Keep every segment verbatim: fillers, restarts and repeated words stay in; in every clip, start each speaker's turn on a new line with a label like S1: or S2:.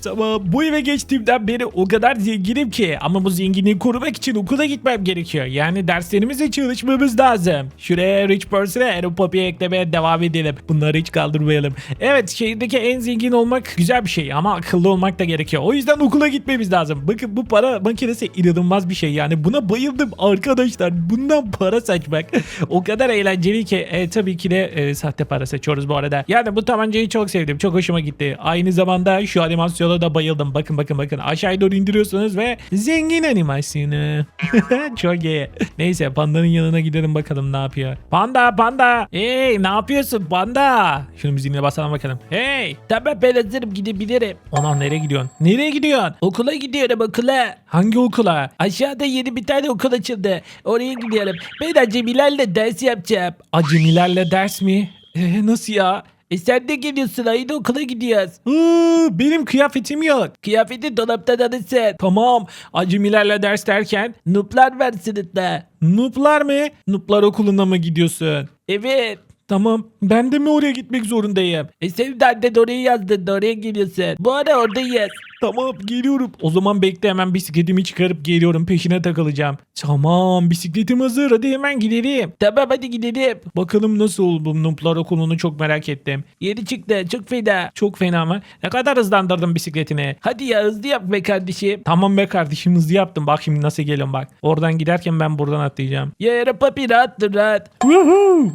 S1: Tamam, bu eve geçtiğimden beri o kadar zenginim ki, ama bu zenginliği korumak için okula gitmem gerekiyor. Yani derslerimize çalışmamız lazım. Şuraya Rich Person'a Aaron Poppy'ye eklemeye devam edelim. Bunları hiç kaldırmayalım. Evet, şehirdeki en zengin olmak güzel bir şey ama akıllı olmak da gerekiyor. O yüzden okula gitmemiz lazım. Bakın, bu para makinesi inanılmaz bir şey. Yani buna bayıldım arkadaşlar. Bundan para saçmak o kadar eğlenceli ki. E, tabii ki de e, sahte para seçiyoruz bu arada. Yani bu tabancayı çok sevdim. Çok hoşuma gitti. Aynı zamanda şu animasyona da bayıldım. Bakın bakın bakın. Aşağıya doğru indiriyorsunuz ve zengin animasyonu. Çok iyi. Neyse, pandanın yanına gidelim bakalım ne yapıyor. Panda panda. Hey, ne yapıyorsun panda? Şunu müziğine basalım bakalım. Hey. Tamam, ben hazırım, gidebilirim. Anam, nereye gidiyorsun? Nereye gidiyorsun? Okula gidiyorum, okula. Hangi okula? Aşağıda yeni bir tane okul açıldı. Oraya gidiyorum. Ben acemilerle ders yapacağım. Acemilerle ders mi? Ee, nasıl ya? E sen de geliyorsun, aynı okula gidiyoruz. Iıı, benim kıyafetim yok. Kıyafeti dolaptan alırsın. Tamam. Acemilerle ders derken nooblar var sınıfta. Nooblar mı? Nooblar okuluna mı gidiyorsun? Evet. Tamam. Ben de mi oraya gitmek zorundayım? E sen de annen oraya yazdın. Oraya geliyorsun. Bu ara oradayız. Tamam, geliyorum. O zaman bekle, hemen bisikletimi çıkarıp geliyorum. Peşine takılacağım. Tamam, bisikletim hazır. Hadi hemen gidelim. Tamam, hadi gidelim. Bakalım nasıl oldu bu Nooblar okulunu, çok merak ettim. Yeni çıktı. Çok fena. Çok fena mı? Ne kadar hızlandırdın bisikletini? Hadi ya, hızlı yap be kardeşim. Tamam be kardeşim, hızlı yaptım. Bak şimdi nasıl geliyorum bak. Oradan giderken ben buradan atlayacağım. Ya papi, rahat dur, rahat. Woohoo.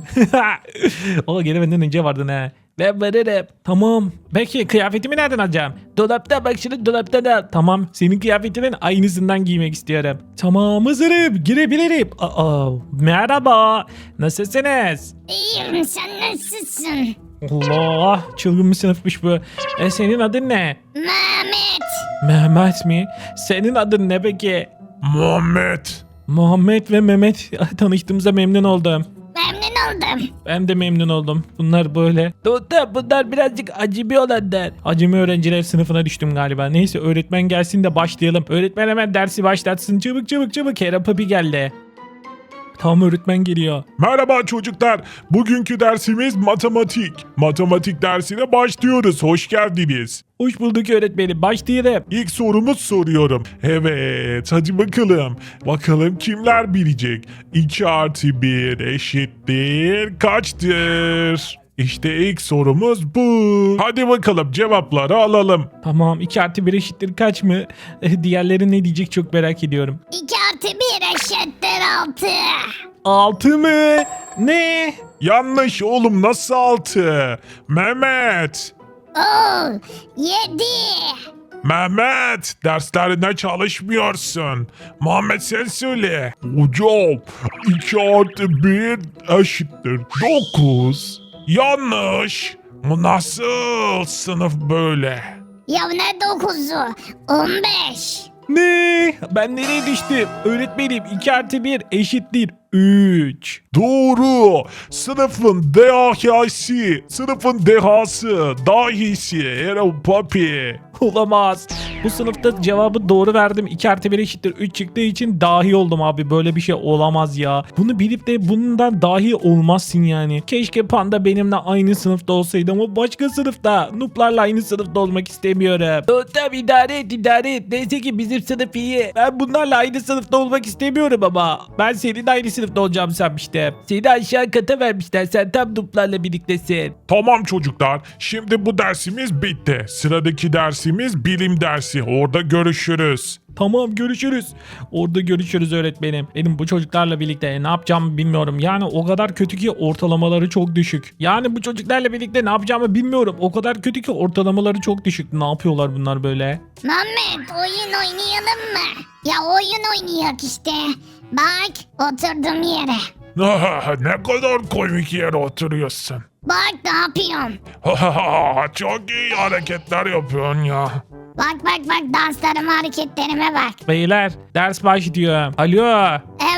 S1: O gene benden önce vardın ha. Ben varırım. Tamam. Peki kıyafetimi nereden alacağım? Dolapta, bak şunu dolaptan al. Tamam, senin kıyafetinin aynısından giymek istiyorum. Tamam, hazırım. Girebilirim. Aa, merhaba. Nasılsınız?
S2: İyiyim, sen nasılsın?
S1: Allah, çılgın bir sınıfmış bu. E, senin adın ne?
S2: Mehmet.
S1: Mehmet mi? Senin adın ne peki?
S3: Muhammed.
S1: Muhammed ve Mehmet. Tanıştığımıza memnun oldum.
S2: Memnun oldum.
S1: Ben de memnun oldum. Bunlar böyle. Doktor, bunlar birazcık acemi olanlar. Acemi öğrenciler sınıfına düştüm galiba. Neyse, öğretmen gelsin de başlayalım. Öğretmen hemen dersi başlatsın. Çabuk çabuk çabuk. Aaron Poppy geldi. Tamam, öğretmen geliyor.
S3: Merhaba çocuklar. Bugünkü dersimiz matematik. Matematik dersine başlıyoruz. Hoş geldiniz.
S1: Hoş bulduk öğretmenim. Başlayalım.
S3: İlk sorumuz soruyorum. Evet, hadi bakalım. Bakalım kimler bilecek? iki artı bir eşittir kaçtır? İşte ilk sorumuz bu. Hadi bakalım, cevapları alalım.
S1: Tamam, iki artı bir eşittir kaç mı? Eh, Diğerleri ne diyecek çok merak ediyorum.
S2: iki artı bir eşittir altı.
S1: altı mı? Ne?
S3: Yanlış oğlum, nasıl altı? Mehmet.
S2: Oo, yedi.
S3: Mehmet, derslerine çalışmıyorsun. Muhammed, sen söyle. Hocam, iki artı bir eşittir dokuz. Yanlış. Bu nasıl sınıf böyle?
S2: Ya ne dokuzu? on beş.
S1: Ne? Ben nereye düştüm? Öğretmenim, iki artı bir eşittir üç.
S3: Doğru. Sınıfın dehası, sınıfın dehası, dahisi, Aaron Poppy.
S1: Olamaz. Bu sınıfta cevabı doğru verdim. iki artı bir eşittir üç çıktığı için dahi oldum abi. Böyle bir şey olamaz ya. Bunu bilip de bundan dahi olmazsın yani. Keşke Panda benimle aynı sınıfta olsaydı ama başka sınıfta. Nooblarla aynı sınıfta olmak istemiyorum. Tamam, idare et idare et. Neyse ki bizim sınıf iyi. Ben bunlarla aynı sınıfta olmak istemiyorum ama. Ben senin aynı sınıfta olacağım sanmıştım. Seni aşağı kata vermişler. Sen tam nooblarla birliktesin.
S3: Tamam çocuklar, şimdi bu dersimiz bitti. Sıradaki dersimiz bilim dersi. Orada görüşürüz.
S1: Tamam, görüşürüz. Orada görüşürüz öğretmenim. Benim bu çocuklarla birlikte ne yapacağımı bilmiyorum. Yani o kadar kötü ki ortalamaları çok düşük. Yani bu çocuklarla birlikte ne yapacağımı bilmiyorum. O kadar kötü ki ortalamaları çok düşük. Ne yapıyorlar bunlar böyle?
S2: Mehmet, oyun oynayalım mı? Ya oyun oynayak işte. Bak, oturdum yere.
S3: Ne kadar komik yere oturuyorsun.
S2: Bak ne yapıyorum.
S3: Çok iyi hareketler yapıyorsun ya.
S2: Bak bak bak, danslarıma, hareketlerime bak.
S1: Beyler, ders başlıyor. Alo.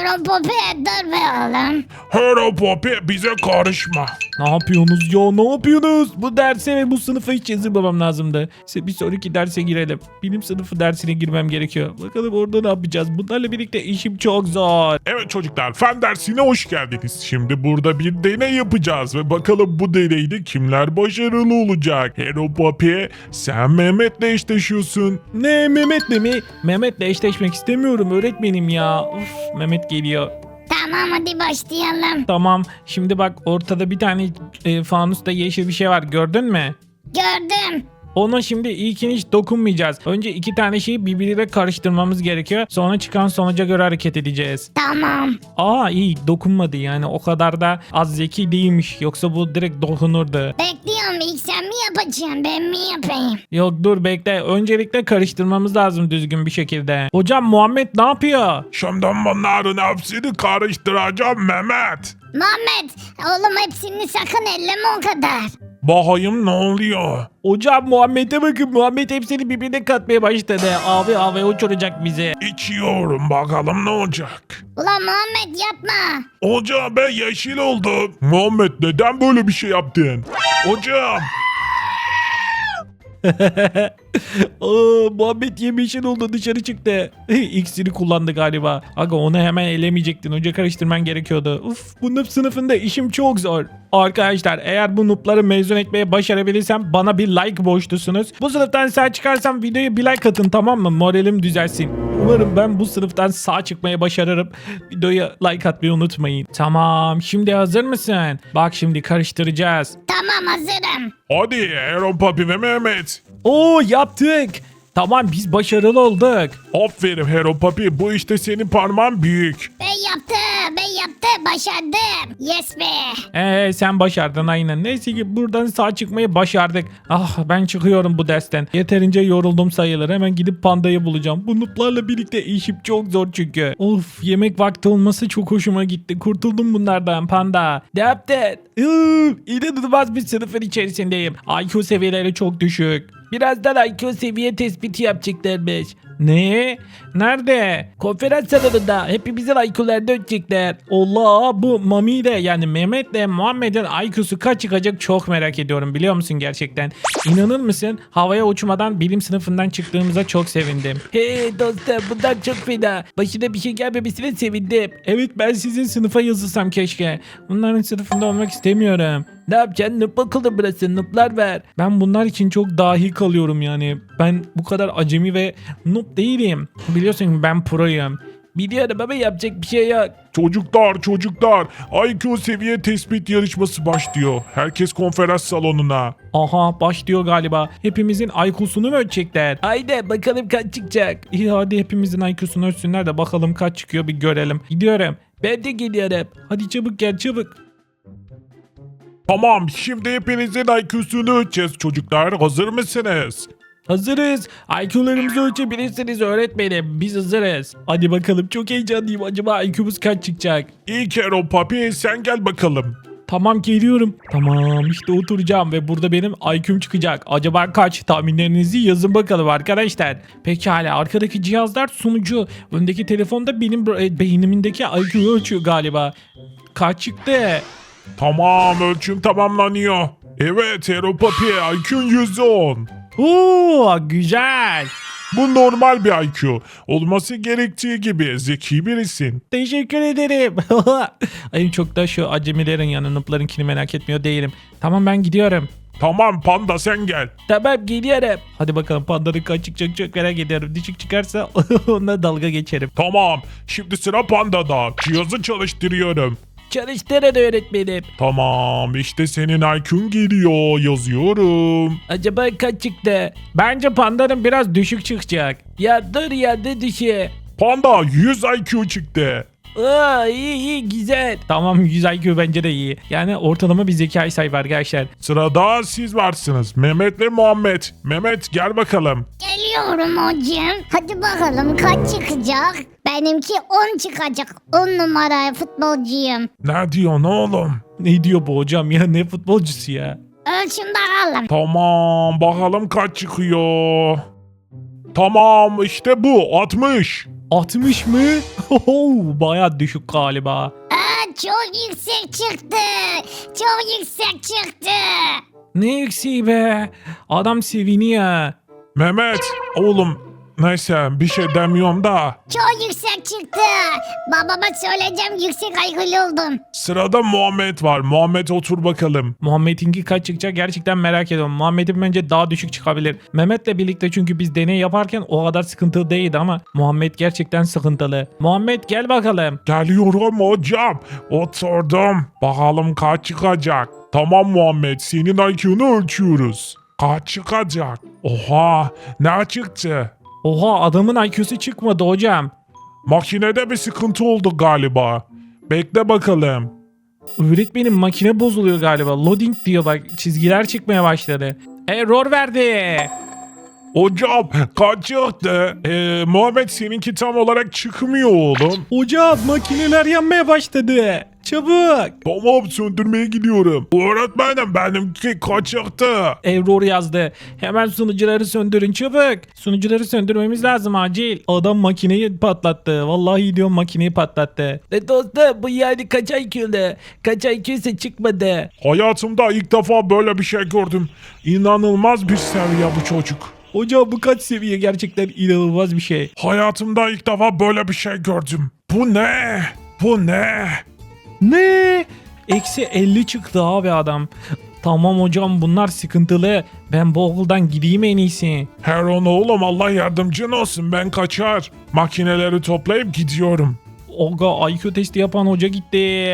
S2: Hero Poppy dur be oğlum.
S3: Hero Poppy bize karışma.
S1: Ne yapıyorsunuz ya? Ne yapıyorsunuz? Bu derse ve bu sınıfa hiç yazılmamam lazımdı. İşte bir sonraki derse girelim. Bilim sınıfı dersine girmem gerekiyor. Bakalım orada ne yapacağız? Bunlarla birlikte işim çok zor.
S3: Evet çocuklar, fen dersine hoş geldiniz. Şimdi burada bir deney yapacağız ve bakalım bu deneyde kimler başarılı olacak. Hero Poppy, sen Mehmet'le eşleşiyorsun.
S1: Ne Mehmet'le mi? Mehmet'le eşleşmek istemiyorum öğretmenim ya. Uf, Mehmet geliyor.
S2: Tamam hadi başlayalım.
S1: Tamam. Şimdi bak ortada bir tane e, fanusta yeşil bir şey var. Gördün mü?
S2: Gördüm.
S1: Ona şimdi ilkini hiç dokunmayacağız. Önce iki tane şeyi birbiriyle karıştırmamız gerekiyor. Sonra çıkan sonuca göre hareket edeceğiz.
S2: Tamam.
S1: Aa iyi dokunmadı yani o kadar da az zeki değilmiş. Yoksa bu direkt dokunurdu.
S2: Bekliyorum ilk sen mi yapacaksın ben mi yapayım?
S1: Yok dur bekle. Öncelikle karıştırmamız lazım düzgün bir şekilde. Hocam Muhammed ne yapıyor?
S3: Şimdi bunların hepsini karıştıracağım Mehmet.
S2: Muhammed oğlum hepsini sakın elleme o kadar.
S3: Bakayım ne oluyor?
S1: Hocam Muhammed'e bakın. Muhammed hepsini birbirine katmaya başladı. Abi abi uçuracak bizi.
S3: İçiyorum, bakalım ne olacak.
S2: Ulan Muhammed yapma.
S3: Hocam ben yeşil oldum. Muhammed neden böyle bir şey yaptın? Hocam.
S1: Aa, Muhammed yemişin oldu dışarı çıktı. İksiri kullandı galiba. Aga onu hemen elemeyecektin. Önce karıştırman gerekiyordu. Uf bu noob sınıfında işim çok zor. Arkadaşlar eğer bu noob'ları mezun etmeye başarabilirsem bana bir like borçlusunuz. Bu sınıftan sağ çıkarsam videoya bir like atın tamam mı? Moralim düzelsin. Umarım ben bu sınıftan sağ çıkmaya başarırım. Videoya like atmayı unutmayın. Tamam şimdi hazır mısın? Bak şimdi karıştıracağız.
S2: Tamam hazırım.
S3: Hadi Hero Poppy ve Mehmet.
S1: Oo yaptık. Tamam biz başarılı olduk.
S3: Aferin Hero Poppy, bu işte senin parmağın büyük.
S2: Ben yaptım ben yaptım başardım. Yes be.
S1: Ee sen başardın aynen. Neyse ki buradan sağ çıkmayı başardık. Ah ben çıkıyorum bu dersten. Yeterince yoruldum sayılır. Hemen gidip pandayı bulacağım. Bu noob'larla birlikte işim çok zor çünkü. Of yemek vakti olması çok hoşuma gitti. Kurtuldum bunlardan panda. Ne yaptın? Iıı, İnanılmaz bir sınıfın içerisindeyim. I Q seviyeleri çok düşük. Birazdan I Q seviye tespiti yapacaklarmış. Ne? Nerede? Konferans salonunda. Hepimizin I Q'larını ölçecekler. Allah bu Mami ile yani Mehmet'le Muhammed'in I Q'su kaç çıkacak çok merak ediyorum biliyor musun gerçekten? İnanır mısın? Havaya uçmadan bilim sınıfından çıktığımıza çok sevindim. Hey dostum bundan çok fena. Başına bir şey gelmemesine sevindim. Evet ben sizin sınıfa yazılsam keşke. Bunların sınıfında olmak istemiyorum. Ne yapacaksın? Noob bakalım burası. Noob'lar ver. Ben bunlar için çok dahi kalıyorum yani. Ben bu kadar acemi ve noob değilim. Biliyorsun ben proyum. Biliyorum ama yapacak bir şey yok.
S3: Çocuklar çocuklar, I Q seviye tespit yarışması başlıyor. Herkes konferans salonuna.
S1: Aha başlıyor galiba. Hepimizin I Q'sunu mu ölçecekler? Haydi bakalım kaç çıkacak. İyi hadi hepimizin I Q'sunu ölçsünler de bakalım kaç çıkıyor bir görelim. Gidiyorum. Ben de geliyorum. Hadi çabuk gel çabuk.
S3: Tamam, şimdi hepinizin I Q'sunu ölçeceğiz çocuklar. Hazır mısınız?
S1: Hazırız. I Q'larımızı ölçebilirsiniz öğretmenim. Biz hazırız. Hadi bakalım çok heyecanlıyım. Acaba I Q'muz kaç çıkacak?
S3: İlk Hero Poppy sen gel bakalım.
S1: Tamam geliyorum. Tamam işte oturacağım ve burada benim I Q'm çıkacak. Acaba kaç? Tahminlerinizi yazın bakalım arkadaşlar. Pekala arkadaki cihazlar sunucu. Öndeki telefonda benim e, beynimindeki I Q'yu ölçüyor galiba. Kaç çıktı?
S3: Tamam, ölçüm tamamlanıyor. Evet Hero Poppy, I Q'un yüz on.
S1: Oo güzel.
S3: Bu normal bir I Q. Olması gerektiği gibi zeki birisin.
S1: Teşekkür ederim. Ay çok da şu acemilerin yanı noob'larınkini merak etmiyor değilim. Tamam ben gidiyorum.
S3: Tamam Panda sen gel.
S1: Tamam geliyorum. Hadi bakalım pandanın kaç çıkacak çok merak ediyorum. Düşük çıkarsa onunla dalga geçerim.
S3: Tamam, şimdi sıra Panda'da. Cihazı çalıştırıyorum.
S1: Çalıştırın öğretmenim.
S3: Tamam, işte senin I Q'un geliyor. Yazıyorum.
S1: Acaba kaç çıktı? Bence pandanın biraz düşük çıkacak. Ya dur ya ne düşü?
S3: Panda yüz I Q çıktı.
S1: Aa iyi iyi güzel. Tamam yüz I Q bence de iyi. Yani ortalama bir zekayı sahip arkadaşlar.
S3: Sırada siz varsınız. Mehmet ve Muhammed. Mehmet gel bakalım.
S2: Geliyorum hocam. Hadi bakalım kaç çıkacak? Benimki on çıkacak. on numara futbolcuyum.
S3: Ne diyorsun oğlum?
S1: Ne diyor bu hocam ya ne futbolcusu ya?
S2: Ölçün bakalım.
S3: Tamam, bakalım kaç çıkıyor. Tamam, işte bu altmış.
S1: altmış mı? Oho, bayağı düşük galiba.
S2: Aa, çok yüksek çıktı. Çok yüksek çıktı.
S1: Ne yükseği be? Adam seviniyor.
S3: Mehmet oğlum neyse bir şey demiyorum da.
S2: Çok yüksek çıktı. Babama söyleyeceğim, yüksek I Q'lu oldum.
S3: Sırada Muhammed var. Muhammed otur bakalım.
S1: Muhammed'inki kaç çıkacak gerçekten merak ediyorum. Muhammed'in bence daha düşük çıkabilir. Mehmet'le birlikte çünkü biz deney yaparken o kadar sıkıntılı değildi ama Muhammed gerçekten sıkıntılı. Muhammed gel bakalım.
S3: Geliyorum hocam. Oturdum. Bakalım kaç çıkacak. Tamam Muhammed senin I Q'nu ölçüyoruz. Kaç çıkacak? Oha ne çıktı?
S1: Oha, adamın I Q'su çıkmadı hocam.
S3: Makinede bir sıkıntı oldu galiba. Bekle bakalım.
S1: Öğretmenim makine bozuluyor galiba. Loading diyor bak, çizgiler çıkmaya başladı. Error verdi.
S3: Hocam kaç çıktı? Ee, Muhammed seninki tam olarak çıkmıyor oğlum.
S1: Hocam makineler yanmaya başladı. Çabuk.
S3: Tamam söndürmeye gidiyorum. Öğretmenim benimki kaç çıktı?
S1: Error yazdı. Hemen sunucuları söndürün çabuk. Sunucuları söndürmemiz lazım acil. Adam makineyi patlattı. Vallahi diyorum makineyi patlattı. E dostum bu yani kaç I Q'lu? Kaç I Q'se çıkmadı.
S3: Hayatımda ilk defa böyle bir şey gördüm. İnanılmaz bir seviye bu çocuk.
S1: Hocam bu kaç seviye, gerçekten inanılmaz bir şey.
S3: Hayatımda ilk defa böyle bir şey gördüm. Bu ne? Bu ne?
S1: Ne? Eksi elli çıktı abi adam. Tamam hocam bunlar sıkıntılı. Ben bu okuldan gideyim en iyisi.
S3: Heron oğlum Allah yardımcın olsun ben kaçar. Makineleri toplayıp gidiyorum.
S1: Oga I Q testi yapan hoca gitti.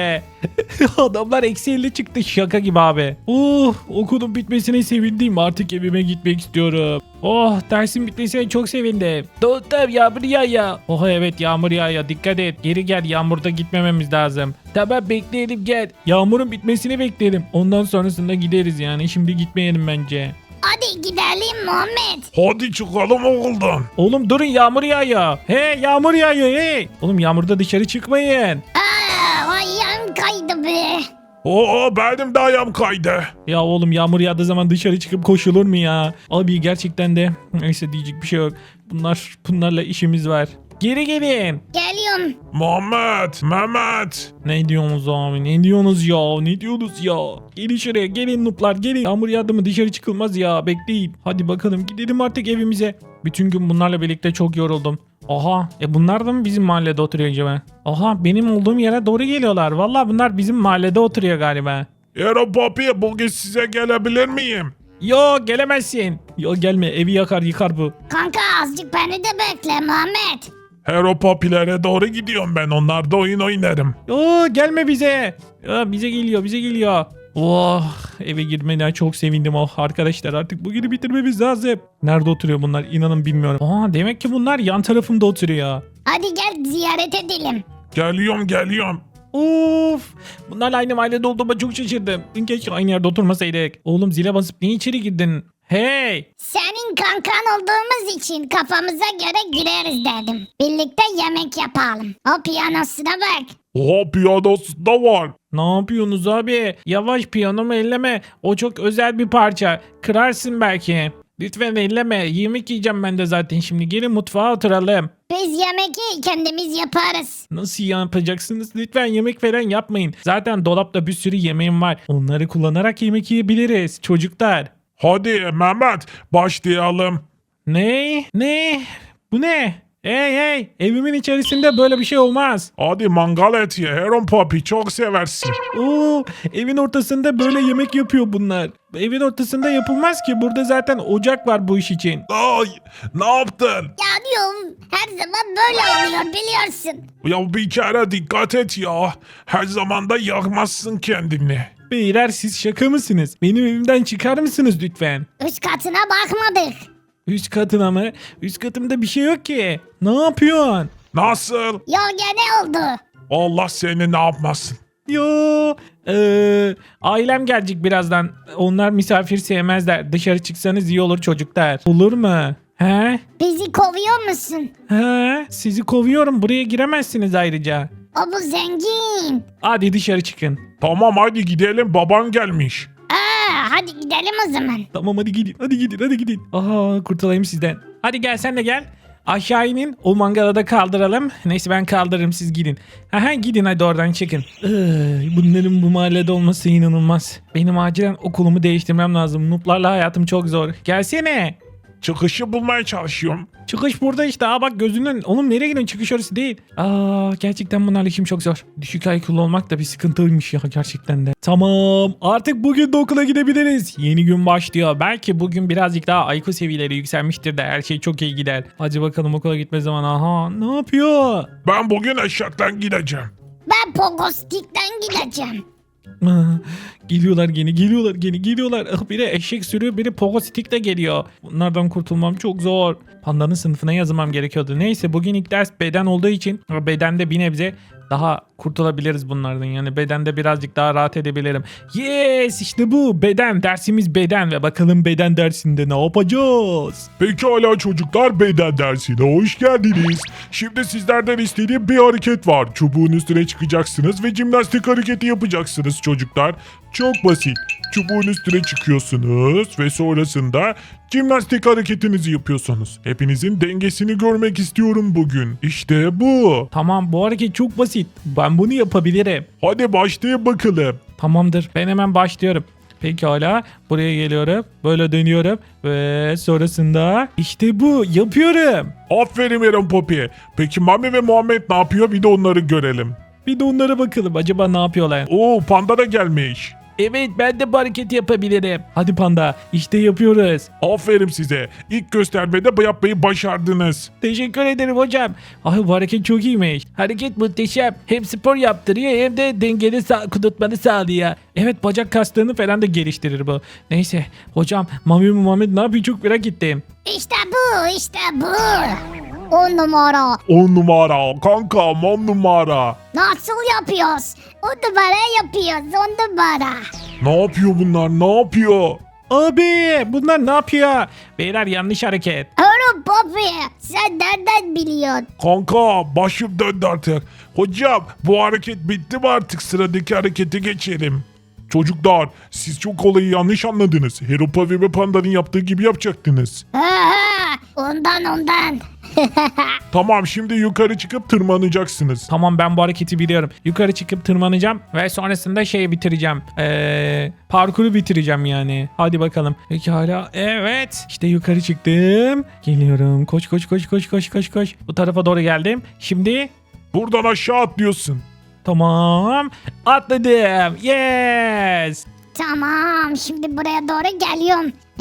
S1: Adamlar eksi elli çıktı, şaka gibi abi. Oh, okulun bitmesine sevindim, artık evime gitmek istiyorum. Oh, dersin bitmesine çok sevindim. Dostum yağmur yağıyor. Oh evet yağmur yağıyor, dikkat et, geri gel, yağmurda gitmememiz lazım. Tamam bekleyelim gel. Yağmurun bitmesini bekleyelim. Ondan sonrasında gideriz yani, şimdi gitmeyelim bence.
S2: Hadi gidelim Muhammed.
S3: Hadi çıkalım okuldan.
S1: Oğlum durun, yağmur yağıyor. Hey yağmur yağıyor hey. Oğlum yağmurda dışarı çıkmayın.
S2: Aa, ayağım kaydı be.
S3: Oo benim de ayağım kaydı.
S1: Ya oğlum yağmur yağdığı zaman dışarı çıkıp koşulur mu ya? Abi gerçekten de neyse diyecek bir şey yok. Bunlar bunlarla işimiz var. Geri gelin.
S2: Geliyorum.
S3: Muhammed, Mehmet.
S1: Ne diyorsunuz abi? Ne diyorsunuz ya? Ne diyorsunuz ya? Gelin şuraya, gelin nuplar gelin. Yağmur yağdı mı dışarı çıkılmaz ya. Bekleyin. Hadi bakalım gidelim artık evimize. Bütün gün bunlarla birlikte çok yoruldum. Aha, e bunlar da mı bizim mahallede oturuyor acaba? Aha, benim olduğum yere doğru geliyorlar. Vallahi bunlar bizim mahallede oturuyor galiba.
S3: Ero Papi bugün size gelebilir miyim?
S1: Yo gelemezsin. Yo gelme, evi yakar yıkar bu.
S2: Kanka azıcık beni de bekle Muhammed.
S3: Hero Papi'lere doğru gidiyorum ben. Onlarda oyun oynarım.
S1: Oo gelme bize. Ya, bize geliyor bize geliyor. Oh, eve girmeden çok sevindim. Oh arkadaşlar artık bugünü bitirmemiz lazım. Nerede oturuyor bunlar inanın bilmiyorum. Aa, demek ki bunlar yan tarafımda oturuyor.
S2: Hadi gel ziyaret edelim.
S3: Geliyorum geliyorum.
S1: Of, bunlarla aynı mahallede olduğuma çok şaşırdım. Keşke aynı yerde oturmasaydık. Oğlum zile basıp niye içeri girdin? Hey!
S2: Senin kankan olduğumuz için kafamıza göre güleriz dedim. Birlikte yemek yapalım. O piyanosuna bak.
S3: Oha piyanosu da var.
S1: Ne yapıyorsunuz abi? Yavaş, piyanomu elleme. O çok özel bir parça. Kırarsın belki. Lütfen elleme. Yemek yiyeceğim ben de zaten şimdi. Gelin mutfağa oturalım.
S2: Biz yemeği kendimiz yaparız.
S1: Nasıl yapacaksınız? Lütfen yemek falan yapmayın. Zaten dolapta bir sürü yemeğim var. Onları kullanarak yemek yiyebiliriz çocuklar.
S3: Hadi Mehmet başlayalım.
S1: Ne? Ne? Bu ne? Hey hey! Evimin içerisinde böyle bir şey olmaz.
S3: Hadi mangal et ye. Heron Papi çok seversin.
S1: Oo, evin ortasında böyle yemek yapıyor bunlar. Evin ortasında yapılmaz ki. Burada zaten ocak var bu iş için.
S3: Ay ne yaptın?
S2: Ya diyorum her zaman böyle oluyor biliyorsun.
S3: Ya bir kere dikkat et ya. Her zaman da yakmazsın kendini.
S1: Beyler siz şaka mısınız? Benim evimden çıkar mısınız lütfen?
S2: Üst katına bakmadık.
S1: Üst katına mı? Üst katımda bir şey yok ki. Ne yapıyorsun?
S3: Nasıl?
S2: Yo gene oldu.
S3: Allah seni ne yapmasın.
S1: Yo, eee, ailem gelecek birazdan. Onlar misafir sevmezler. Dışarı çıksanız iyi olur çocuklar. Olur mu? He?
S2: Bizi kovuyor musun?
S1: He? Sizi kovuyorum. Buraya giremezsiniz ayrıca.
S2: O bu zengin.
S1: Hadi dışarı çıkın.
S3: Tamam hadi gidelim baban gelmiş.
S2: Aa, hadi gidelim o zaman.
S1: Tamam hadi gidin. Hadi gidin. Hadi gidin. Aha kurtulayım sizden. Hadi gel sen de gel. Aşağı inin. O mangalı da kaldıralım. Neyse ben kaldırırım siz gidin. Aha gidin hadi oradan çıkın. Iy, bunların bu mahallede olması inanılmaz. Benim acilen okulumu değiştirmem lazım. Noob'larla hayatım çok zor. Gelsene.
S3: Çıkışı bulmaya çalışıyorum.
S1: Çıkış burada işte. Aa bak gözünden. Oğlum nereye gidiyorsun? Çıkış orası değil. Aa gerçekten bunlarla işim çok zor. Düşük I Q'lu olmak da bir sıkıntıymış ya gerçekten de. Tamam. Artık bugün de okula gidebiliriz. Yeni gün başlıyor. Belki bugün birazcık daha I Q seviyeleri yükselmiştir de her şey çok iyi gider. Hadi bakalım okula gitme zamanı. Aha ne yapıyor?
S3: Ben bugün eşekten gideceğim.
S2: Ben Pogostik'ten gideceğim.
S1: Ah, geliyorlar gene geliyorlar gene geliyorlar. Ah, biri eşek sürüyor biri pogo stick de geliyor. Bunlardan kurtulmam çok zor. Pandanın sınıfına yazılmam gerekiyordu. Neyse bugün ilk ders beden olduğu için bedende bir nebze daha kurtulabiliriz bunlardan. Yani bedende birazcık daha rahat edebilirim. Yes işte bu beden dersimiz beden ve bakalım beden dersinde ne yapacağız?
S3: Pekala çocuklar, beden dersine hoş geldiniz. Şimdi sizlerden istediğim bir hareket var. Çubuğun üstüne çıkacaksınız ve jimnastik hareketi yapacaksınız çocuklar. Çok basit. Çubuğun üstüne çıkıyorsunuz ve sonrasında jimnastik hareketinizi yapıyorsunuz. Hepinizin dengesini görmek istiyorum bugün. İşte bu.
S1: Tamam bu hareket çok basit. Ben bunu yapabilirim.
S3: Hadi başlayın bakalım.
S1: Tamamdır. Ben hemen başlıyorum. Pekala. Buraya geliyorum. Böyle dönüyorum. Ve sonrasında işte bu. Yapıyorum.
S3: Aferin Eren Poppy. Peki Mami ve Muhammed ne yapıyor? Bir de onları görelim.
S1: Bir de onlara bakalım. Acaba ne yapıyorlar?
S3: Oo, panda da gelmiş.
S1: Evet ben de bu hareketi yapabilirim. Hadi panda. İşte yapıyoruz.
S3: Aferin size. İlk göstermede bu yapmayı başardınız.
S1: Teşekkür ederim hocam. Ay bu hareket çok iyiymiş. Hareket muhteşem. Hem spor yaptırıyor hem de dengeni sa- kudurtmanı sağlıyor. Evet bacak kaslarını falan da geliştirir bu. Neyse hocam Mami Muhammed ne yapıyor çok merak ettim.
S2: İşte bu, işte bu. On numara.
S3: On numara. Kanka on numara.
S2: Nasıl yapıyoruz? On numara yapıyoruz, on numara.
S3: Ne yapıyor bunlar? Ne yapıyor?
S1: Abi bunlar ne yapıyor? Beyler yanlış hareket.
S2: Oğlum Poppy, sen nereden biliyorsun?
S3: Kanka başım döndü artık. Hocam bu hareket bitti mi artık? Sıradaki harekete geçelim. Çocuklar siz çok olayı yanlış anladınız. Heropa ve Panda'nın yaptığı gibi yapacaktınız.
S2: Ha ha, ondan ondan.
S3: Tamam şimdi yukarı çıkıp tırmanacaksınız.
S1: Tamam ben bu hareketi biliyorum. Yukarı çıkıp tırmanacağım ve sonrasında şeyi bitireceğim. Ee, parkuru bitireceğim yani. Hadi bakalım. Pekala. Evet. İşte yukarı çıktım. Geliyorum. Koş koş koş koş koş koş koş. Bu tarafa doğru geldim. Şimdi
S3: Buradan aşağı atlıyorsun.
S1: tamam. Atladım. Yes.
S2: Tamam, şimdi buraya doğru geliyorum. Ee,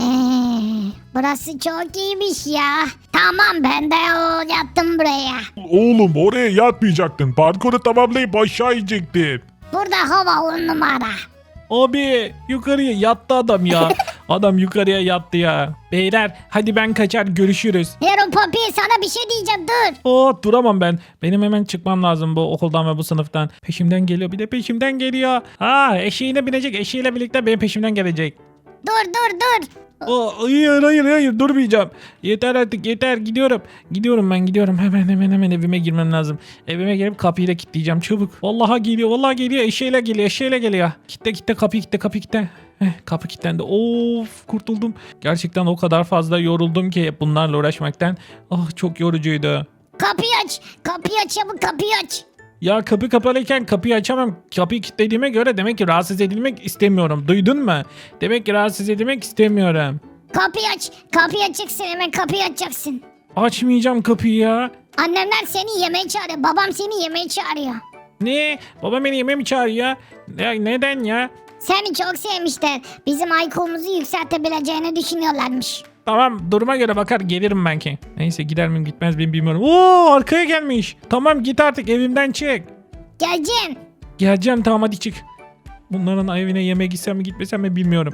S2: burası çok iyiymiş ya. Tamam, ben de o yattım buraya.
S3: Oğlum oraya yatmayacaktın. Parkuru tamamlayıp aşağı inecektin.
S2: Burada hava on numara.
S1: Abi yukarıya yattı adam ya. Adam yukarıya yattı ya. Beyler hadi ben kaçar görüşürüz.
S2: Hero Poppy, sana bir şey diyeceğim, dur.
S1: Oh duramam ben. Benim hemen çıkmam lazım bu okuldan ve bu sınıftan. Peşimden geliyor bir de peşimden geliyor. Ha eşeğine binecek eşeğiyle birlikte benim peşimden gelecek.
S2: Dur dur dur.
S1: Oh, hayır hayır hayır durmayacağım. Yeter artık yeter gidiyorum. Gidiyorum ben gidiyorum hemen hemen hemen evime girmem lazım. Evime girip kapıyı da kilitleyeceğim çabuk. Vallahi geliyor vallahi geliyor eşeğiyle geliyor eşeğiyle geliyor. Kitle kitle kapıyı kitle kapıyı kitle. Heh, kapı kilitlendi. Of kurtuldum. Gerçekten o kadar fazla yoruldum ki bunlarla uğraşmaktan. Ah çok yorucuydu.
S2: Kapıyı aç. Kapıyı aç çabuk, kapıyı aç.
S1: Ya kapı kapalıyken kapıyı açamam. Kapıyı kilitlediğime göre demek ki rahatsız edilmek istemiyorum. Duydun mu? Demek ki rahatsız edilmek istemiyorum.
S2: Kapıyı aç. Kapıyı açacaksın, hemen kapıyı açacaksın.
S1: Açmayacağım kapıyı ya.
S2: Annemler seni yemeğe çağırıyor. Babam seni yemeğe çağırıyor.
S1: Ne? Babam beni yemeğe mi çağırıyor? Ya, neden ya?
S2: Seni çok sevmişler. Bizim I Q'muzu yükseltebileceğini düşünüyorlarmış.
S1: Tamam duruma göre bakar gelirim belki. Neyse gider miyim gitmez miyim bilmiyorum. Oo arkaya gelmiş. Tamam git artık evimden çık.
S2: Geleceğim.
S1: Geleceğim tamam hadi çık. Bunların evine yemeğe gitsem mi gitmesem mi bilmiyorum.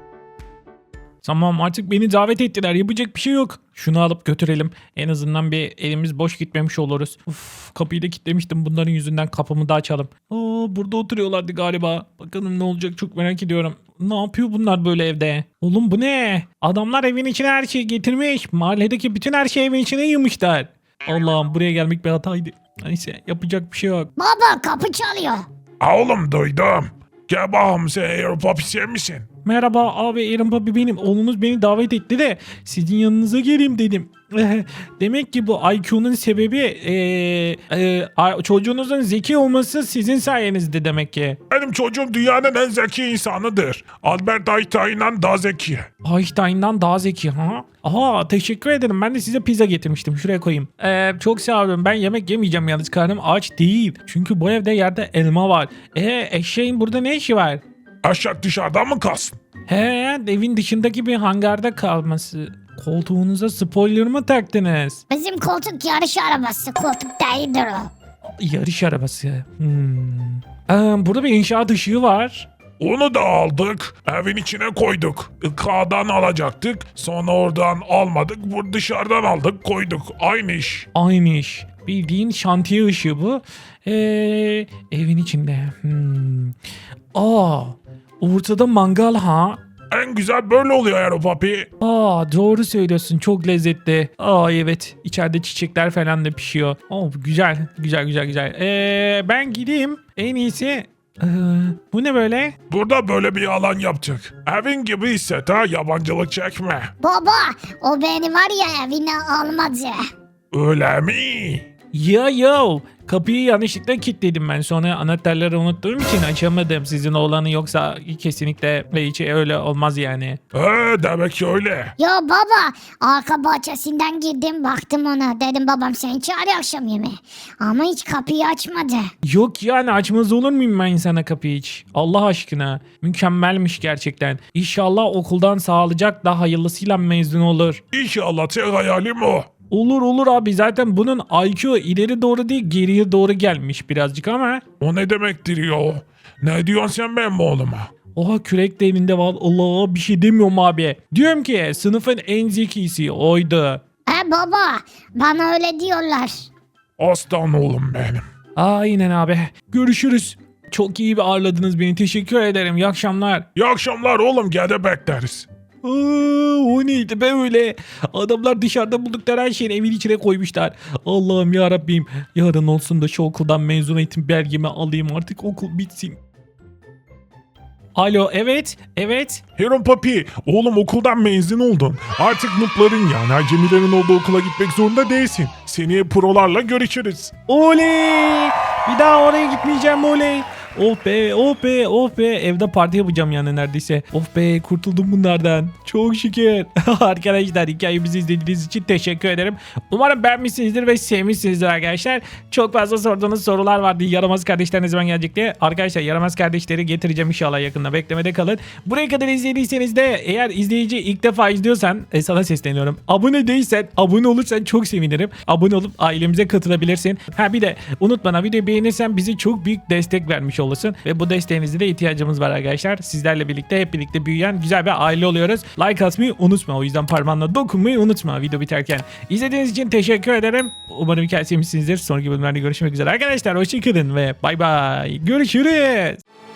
S1: Tamam artık beni davet ettiler yapacak bir şey yok. Şunu alıp götürelim. En azından bir elimiz boş gitmemiş oluruz. Uf, kapıyı da kilitlemiştim bunların yüzünden kapımı da açalım. Aa, burada oturuyorlardı galiba. Bakalım ne olacak çok merak ediyorum. Ne yapıyor bunlar böyle evde? Oğlum bu ne? Adamlar evin içine her şeyi getirmiş. Mahalledeki bütün her şeyi evin içine yığmışlar. Allah'ım buraya gelmek bir hataydı. Neyse yapacak bir şey yok.
S2: Baba kapı çalıyor.
S3: Ha oğlum duydum. Gel bakalım sen Aeropop sen misin?
S1: Merhaba abi, Aaron Papi benim. Oğlunuz beni davet etti de sizin yanınıza geleyim dedim. Demek ki bu I Q'nun sebebi ee, ee, çocuğunuzun zeki olması sizin sayenizde demek ki.
S3: Benim çocuğum dünyanın en zeki insanıdır. Albert Einstein'dan daha zeki.
S1: Einstein'dan daha zeki ha? Aha, teşekkür ederim. Ben de size pizza getirmiştim. Şuraya koyayım. Ee, çok sağ olun. Ben yemek yemeyeceğim yalnız. Karnım aç değil. Çünkü bu evde yerde elma var. E eşeğin burada ne işi var?
S3: Aşağı dışarıdan mı kalsın?
S1: He, evin dışındaki bir hangarda kalması. Koltuğunuza spoiler mı taktınız?
S2: Bizim koltuk yarış arabası. Koltuk değildir o.
S1: Yarış arabası. Hmm. Ee, burada bir inşaat ışığı var.
S3: Onu da aldık. Evin içine koyduk. K'dan alacaktık. Sonra oradan almadık. Bu dışarıdan aldık koyduk. Aynı iş.
S1: Aynı iş. Bildiğin şantiye ışığı bu. Ee, evin içinde. Hmm. Aa, ortada mangal ha.
S3: En güzel böyle oluyor Aaron Papi.
S1: Aa, doğru söylüyorsun, çok lezzetli. Aa evet, içeride çiçekler falan da pişiyor. Oh, güzel güzel güzel güzel. Ee, ben gideyim en iyisi. Ee, bu ne böyle?
S3: Burada böyle bir alan yaptık. Evin gibi hisset ha, yabancılık çekme.
S2: Baba o beni var ya evine almadı.
S3: Öyle mi?
S1: Ya yo, kapıyı yanlışlıkla kilitledim ben, sonra anahtarları unuttuğum için açamadım sizin oğlanı, yoksa kesinlikle hiç öyle olmaz yani.
S3: He, demek ki öyle.
S2: Yo baba arka bahçesinden girdim baktım ona. Dedim babam seni çağırıyor akşam yemeğe. Ama hiç kapıyı açmadı.
S1: Yok yani, açmaz olur muyum ben sana kapıyı hiç? Allah aşkına, mükemmelmiş gerçekten. İnşallah okuldan sağlıcakla hayırlısıyla mezun olur.
S3: İnşallah tek hayalim o.
S1: Olur olur abi, zaten bunun I Q ileri doğru değil geriye doğru gelmiş birazcık ama.
S3: O ne demektir ya? Ne diyorsun sen benim oğluma?
S1: Oha, kürek de elinde var. Allah, bir şey demiyorum abi. Diyorum ki sınıfın en zekisi oydu.
S2: He baba bana öyle diyorlar.
S3: Aslan oğlum benim.
S1: Aynen abi. Görüşürüz. Çok iyi bir ağırladınız beni. Teşekkür ederim. İyi akşamlar.
S3: İyi akşamlar oğlum, gene bekleriz.
S1: Aa, o neydi be öyle? Adamlar dışarıda buldukları her şeyi evin içine koymuşlar. Allah'ım ya Rabbim. Yarın olsun da şu okuldan mezun eğitim belgemi alayım, artık okul bitsin. Alo, evet, evet.
S3: Aaron Papi, oğlum okuldan mezun oldun. Artık noob'ların yani acemilerin olduğu okula gitmek zorunda değilsin. Seneye prolarla görüşürüz.
S1: Oley! Bir daha oraya gitmeyeceğim, oley. Oh be, oh be, oh be. Evde parti yapacağım yani neredeyse. Oh be, kurtuldum bunlardan. Çok şükür. Arkadaşlar, hikayemizi izlediğiniz için teşekkür ederim. Umarım beğenmişsinizdir ve sevmişsinizdir arkadaşlar. Çok fazla sorduğunuz sorular vardı. Yaramaz kardeşler ne zaman gelecek diye. Arkadaşlar, yaramaz kardeşleri getireceğim inşallah yakında. Beklemede kalın. Buraya kadar izlediyseniz de, eğer izleyici ilk defa izliyorsan e, sana sesleniyorum. Abone değilsen, abone olursan çok sevinirim. Abone olup ailemize katılabilirsin. Ha bir de unutma, videoyu beğenirsen bize çok büyük destek vermiş olursun. Ve bu desteğinize de ihtiyacımız var arkadaşlar. Sizlerle birlikte hep birlikte büyüyen güzel bir aile oluyoruz. Like atmayı unutma. O yüzden parmağınla dokunmayı unutma video biterken. İzlediğiniz için teşekkür ederim. Umarım hikayesi sevmişsinizdir. Sonraki bölümlerde görüşmek üzere arkadaşlar. Hoşçakalın ve bay bay. Görüşürüz.